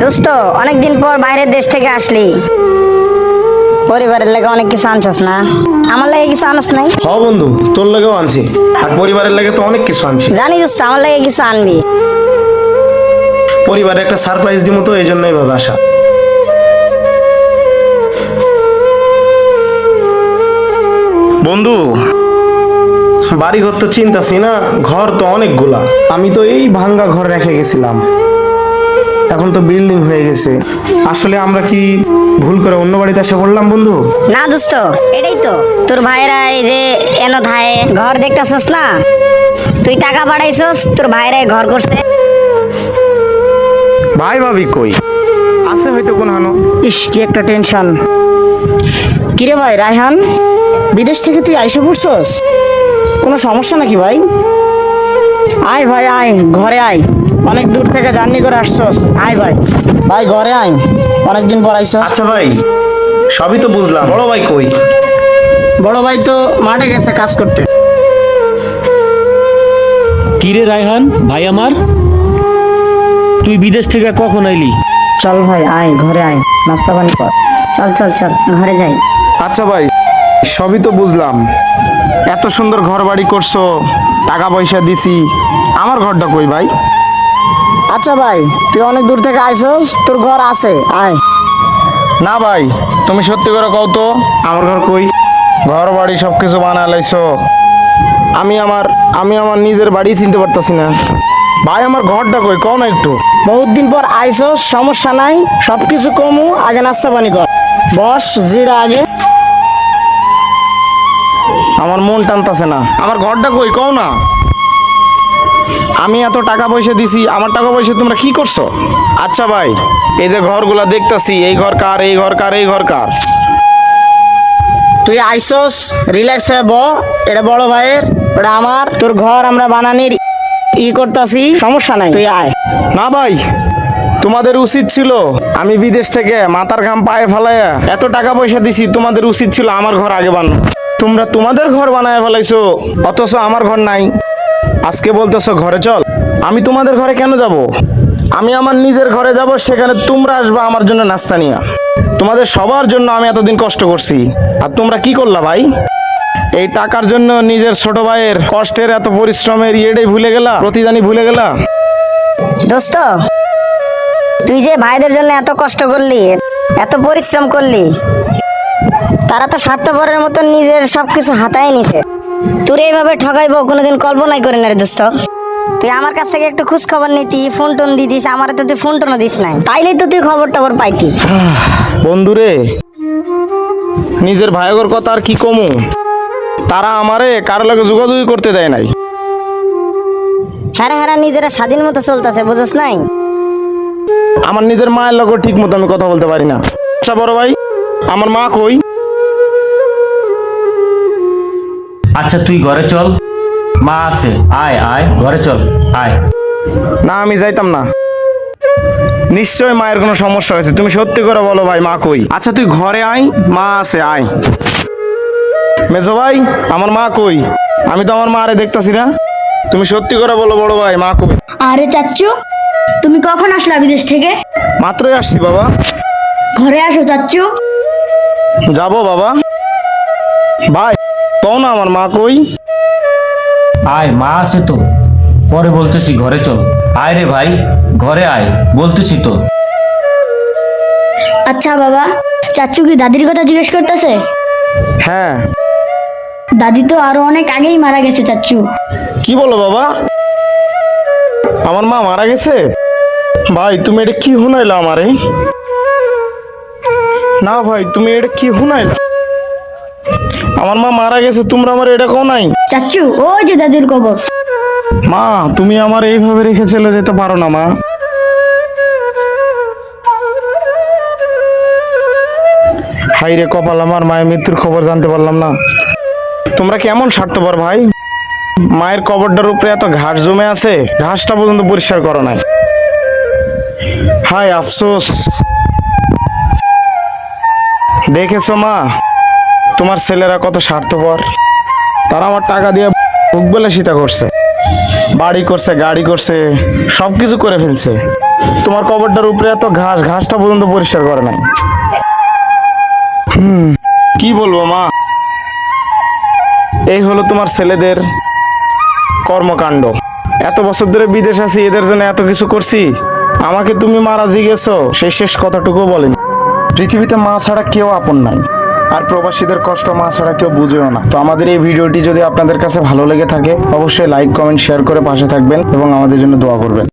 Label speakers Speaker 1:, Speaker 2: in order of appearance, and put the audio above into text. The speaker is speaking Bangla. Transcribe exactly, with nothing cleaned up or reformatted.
Speaker 1: দোস্ত অনেকদিন পর বাইরের দেশ থেকে আসলি, পরিবারের লাগে অনেক কিছু আনছস না? আমার লাগে কিছু আনস নাই?
Speaker 2: হ বন্ধু, তোর লাগেও আনছি, আর পরিবারের লাগে তো অনেক কিছু আনছি।
Speaker 1: জানি দোস্ত আমার লাগে কিছু আনবি।
Speaker 2: পরিবারে একটা সারপ্রাইজ দিব তো, এই জন্য এইভাবে আসা। বন্ধু, বাড়ি ঘর তো চিন্তাছি না, ঘর তো অনেকগুলা। আমি তো এই ভাঙ্গা ঘর রেখে গেছিলাম, এখন তো বিল্ডিং হয়ে গেছে। আসলে আমরা কি ভুল করে অন্য বাড়িতে এসে পড়লাম বন্ধু?
Speaker 1: না দোস্ত, এটাই তো তোর ভাইরা এই যে এনো ধায়ে ঘর দেখতেছস না, তুই টাকা পাঠাইছস, তোর ভাইরা এই ঘর করছে।
Speaker 2: ভাই ভাবি কই আছে হয়তো কোন হানো।
Speaker 3: ইস, কি একটা টেনশন। কিরে ভাই রায়হান, বিদেশ থেকে তুই আইসা পড়ছস? কোনো সমস্যা নাকি ভাই? আয় ভাই আয়, ঘরে আয়, অনেক দূর থেকে জার্নি করে আসছস। আয় ভাই, ভাই ঘরে আয়, অনেকদিন পর আইসস।
Speaker 2: আচ্ছা ভাই, সবই তো বুঝলাম, বড় ভাই কই?
Speaker 3: বড় ভাই তো মাঠে গেছে কাজ করতে।
Speaker 4: কিরে রায়হান ভাই আমার, তুই বিদেশ থেকে কখন আইলি?
Speaker 3: চল ভাই আয়, ঘরে আয়, নাস্তা পানি কর।
Speaker 1: চল চল চল ঘরে যাই।
Speaker 2: আচ্ছা ভাই, সবই তো বুঝলাম, এত সুন্দর ঘর বাড়ি করছো, টাকা পয়সা দিছি, আমার ঘরটা কই ভাই?
Speaker 3: আচ্ছা ভাই, তুই অনেক দূর থেকে আইসস, তোর ঘর আছে, আয়।
Speaker 2: না ভাই, তুমি সত্যি করে কও তো, আমার ঘর কই? ঘর বাড়ি সব কিছু বানা লাইছো, আমি আমার আমি আমার নিজের বাড়ি চিনতে পারতাছি না। ভাই আমার ঘরটা কই, কও না একটু।
Speaker 3: বহুত দিন পর আইসস, সমস্যা নাই, সব কিছু কমু, আগে নাস্তা পানি কর। বস জিরা আগে।
Speaker 2: আমার মন টানতাছে না, আমার ঘরটা কই কও না। আমি এত টাকা পয়সা দিছি, আমার টাকা পয়সা তোমরা কি করছো? আচ্ছা ভাই, এই যে ঘরগুলা দেখতাছি, এই ঘর কার, এই ঘর কার, এই ঘর কার?
Speaker 3: তুই আইসস, রিল্যাক্স হয়ে ব, এটা বড় ভাইয়ের, এটা আমার। তোর ঘর আমরা বানানির ই করতাছি, সমস্যা নাই, তুই আয়।
Speaker 2: না ভাই, তোমাদের উচিত ছিল, আমি বিদেশ থেকে মাথার ঘাম পায়ে ফেলাইয়া এত টাকা পয়সা দিছি, তোমাদের উচিত ছিল আমার ঘর আগে বানানো। তোমরা তোমাদের ঘর বানায় ফেলাইছো, অথচ আমার ঘর নাই। আজকে বলতেছো ঘরে চল, আমি তোমাদের ঘরে কেন যাব? আমি আমার নিজের ঘরে যাব, সেখানে তোমরা আসবা আমার জন্য নাস্তা নিয়া। তোমাদের সবার জন্য আমি এতদিন কষ্ট করছি, আর তোমরা কি করলা ভাই? এই টাকার জন্য নিজের ছোট ভাইয়ের কষ্টের, এত পরিশ্রমের ইয়েটাই ভুলে গেলা, প্রতিদানি ভুলে গেলা।
Speaker 1: দোস্ত, তুই যে ভাইদের জন্য এত কষ্ট করলি, এত পরিশ্রম করলি, তারা তো স্বার্থপরের মতো নিজের সবকিছু হাতায় নিছে। তোর এইভাবে ঠকাইবো কোনোদিন কল্পনাই করি না রে দোস্ত। তুই আমার কাছ থেকে একটু খোঁজ খবর নিতি, ফোন টোন দিতিস, আমার তো তুই ফোন টোনও দিস নাই, তাইলেই তো তুই খবর টবর পাইতি।
Speaker 2: বন্ধুরে, নিজের ভাইগর কথা আর কি কমু, তারা আমারে কারো লাগে যোগাযোগ করতে দেয় নাই।
Speaker 1: হ্যাঁ হ্যাঁ, নিজেরা স্বাধীন মতো চলতেছে, বুঝছ নাই?
Speaker 2: আমার নিজের মায়ের লগে ঠিক মতো আমি কথা বলতে পারি না। আচ্ছা বড় ভাই, আমার মা কই?
Speaker 4: আচ্ছা তুই ঘরে চল, মা আছে, আয় আয় ঘরে চল, আয়।
Speaker 2: না, আমি যাইতাম না, নিশ্চয় মায়ের কোনো সমস্যা হয়েছে, তুমি সত্যি করে বলো ভাই, মা কই? আচ্ছা তুই ঘরে আয়, মা আছে, আয়। মেজো ভাই, আমার মা কই? আমি তো আমার মা আরে দেখতাছি না, তুমি সত্যি করে বলো বড় ভাই, মা কই?
Speaker 5: আরে চাচ্চু, তুমি কখন আসলা বিদেশ থেকে?
Speaker 2: মাত্রই আসছি বাবা।
Speaker 5: ঘরে আসো চাচ্চু।
Speaker 2: যাবো বাবা। ভাই কও না আমার মা কই?
Speaker 4: আয়, মা আছে তো, পরে বলতেছি, ঘরে চল। আয় রে ভাই, ঘরে আয়, বলতেছি তো।
Speaker 5: আচ্ছা বাবা, চাচ্চু কি দাদির কথা জিজ্ঞেস করতেছে?
Speaker 2: হ্যাঁ।
Speaker 5: দাদি তো আরো অনেক আগেই মারা গেছে চাচ্চু।
Speaker 2: কি বলো বাবা, আমার মা মারা গেছে? ভাই তুমি এটা কি হুনাইলা আমারে? না ভাই, তুমি এটা কি হুনাইলা? আমার মা মারা গেছে, তোমরা আমার এটা কও নাই?
Speaker 5: চাচ্চু, ওই যে দাদির কবর।
Speaker 2: মা, তুমি আমার এইভাবে রেখে চলে যেতে পারো না মা। হাই রে কপাল, আমার মায়ের মৃত্যুর খবর জানতে পারলাম না। তোমরা কেমন স্বার্থপর ভাই, মায়ের কবরটার উপরে এত ঘাস জমে আছে, ঘাসটা পর্যন্ত পরিষ্কার করো নাই। হাই আফসোস। দেখেছো মা, তোমার ছেলেরা কত স্বার্থপর, তারা আমার টাকা দিয়ে ভোগবিলাসিতা করছে, বাড়ি করছে, গাড়ি করছে, সব কিছু করে ফেলছে, তোমার কবরটার উপরে এত ঘাস, ঘাসটা পর্যন্ত পরিষ্কার করে নাই। হুম কি বলবো মা, এই হলো তোমার ছেলেদের কর্মকাণ্ড। এত বছর ধরে বিদেশ আছি, এদের জন্য এত কিছু করছি, আমাকে তুমি মারা জিগেছো সেই শেষ কথাটুকু বলেন। পৃথিবীতে মা ছাড়া কেউ আপন নাই, আর প্রবাসীদের কষ্ট মা ছাড়া কেউ বুঝেও না। তো আমাদের এই ভিডিওটি যদি আপনাদের কাছে ভালো লেগে থাকে, অবশ্যই লাইক কমেন্ট শেয়ার করে পাশে থাকবেন এবং আমাদের জন্য দোয়া করবেন।